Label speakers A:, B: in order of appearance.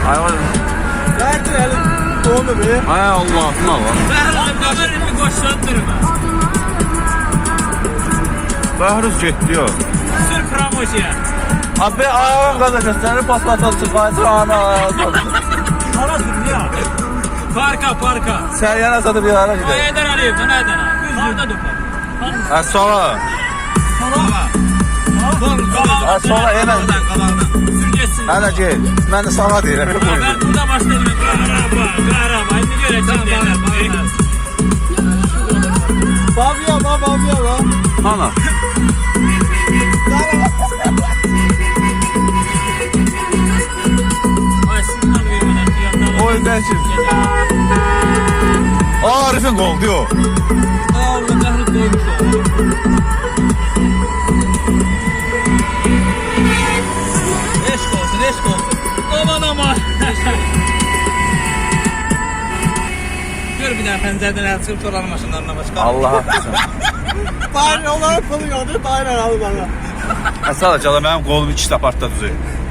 A: Ay oğlum.
B: Belki elin doğru be.
A: Ay Allah'ım Allah.
C: Ben bir koşlandırım.
A: Bahruz getdi o.
C: Sırf promosiya.
A: Abi ayağım kadar gösterir paspatatı fayda ana.
C: Hara dünya. Parka.
A: Sen yana satıp yana
C: O
A: gidelim.
C: Heydər Əliyev, sən Heydər Əliyev. Harda durma.
A: Ha sola. Ha sola hemen.
C: Sür geçsin.
A: Hala gel. Ben de sağa deyirəm.
C: Ben burada başladım. Qaraba. İndi görəcəm deyirəm.
B: Babya lan.
A: Ana.
C: Ay signal vermeden fiyatlar.
A: O yüzden şimdi. Arif'in gol diyor.
C: Allah qəhrət qoymuş o. Eşq olsun. Aman. Gör bir daha pəncərədən əl çıxıb soranın maşınlarına başqa.
A: Allah haqqısın.
B: Daire olarak kalıyordu. Daire al bana.
A: Sadece benim golum 2 apartda düzeyir.